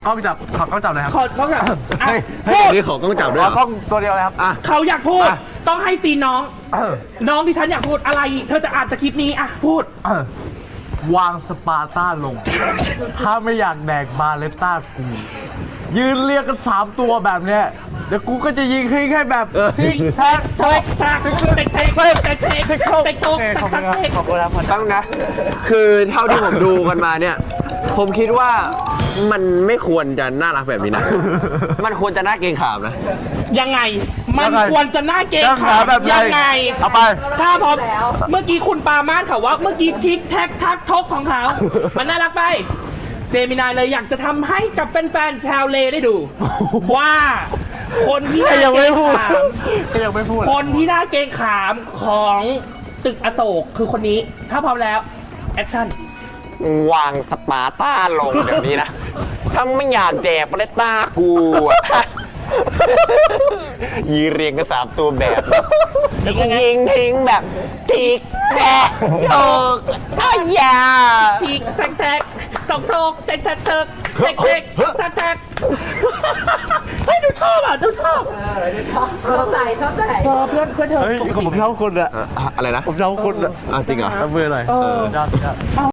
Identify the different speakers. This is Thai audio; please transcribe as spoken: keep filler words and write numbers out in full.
Speaker 1: กล้องจับขอกล้องจับเลยครับ
Speaker 2: ขอเขาอยาก
Speaker 3: ให้ ให้ตัวนี้ขอกล้องจับด้วย
Speaker 1: ขอกล้องตัวเดียวเลยครับ
Speaker 3: อ่ะ
Speaker 2: เขาอยากพูด
Speaker 3: อ่ะ
Speaker 2: ต้องให้ซีนน้อง
Speaker 1: เออ
Speaker 2: น้องที่ฉันอยากพูดอะไร เธอจะอ่านสคริปต์นี้อ่ะพูด
Speaker 1: เออวางสปาร์ต้าลง ถ้าไม่อยากแดกบาเลต้ากู ยืนเรียกกันสามตัวแบบเนี้ยเดี๋ยวกูก็จะยิงให้แค่แบบ
Speaker 3: เออ
Speaker 1: ทิกแท็ก
Speaker 2: เฮ้ยแตกเตะเตะเตะเตะเตะเตะโตกเตะโตก
Speaker 1: ขอบคุณครับ
Speaker 2: เตะ
Speaker 1: ขอบคุณครับ
Speaker 3: ตั้งนะ คือเท่าที่ผมดูกันมาเนี่ย ผมคิดว่ามันไม่ควรจะน่ารักแบบนี้นะ มันควรจะน่าเกรงขามนะ
Speaker 2: ยังไง มัน
Speaker 1: ยังไง
Speaker 2: ควรจะน่าเกรง
Speaker 1: ยัง
Speaker 2: ขา
Speaker 1: หาม แบบ
Speaker 2: ยังไง
Speaker 1: เอาไป
Speaker 2: ถ้าพอเมื่อกี้คุณปามาสเขาว่าเมื่อกี้ทิกแท็กทักทกของเขา มันน่ารักไป เจมินายเลยอยากจะทำให้กับแฟนๆชาวเลได้ดู ว่าคนที่น่า
Speaker 1: ยัง
Speaker 2: เกร
Speaker 1: ไม่
Speaker 2: ง
Speaker 1: พูด
Speaker 2: ขาม
Speaker 1: ยังไม่พูด
Speaker 2: คนที่น่าเกรงขามของตึกอโศกคือคนนี้ ถ้าพร้อมแล้ว แอคชั่น
Speaker 3: วางสปาร์ต้าลงแบบนี้นะ ถ้าไม่อยากแดกบาเลต้ากูอะยีเรียงกันสามตัวแบบแล้วก็ยิงทิ้งแบบทิกแทกโยกอ้ายา
Speaker 2: ทีแท็กแท็กสองโทกแท็กแท็กแท็กแท็กแท็กแท็กแท็กเฮ้ยดูชอบอ่ะดูชอบ
Speaker 4: ชอบใจชอบใจ
Speaker 2: เออเพื่อนเพื่อนเธอ
Speaker 1: เฮ้ยผมชอบคุณอะ
Speaker 3: เอ่ออะไรนะ
Speaker 1: ผมชอบคุณอะ
Speaker 3: อ่ะจริงเหรอ
Speaker 1: เอามือหน่อย
Speaker 2: เออ
Speaker 1: ยอดยอด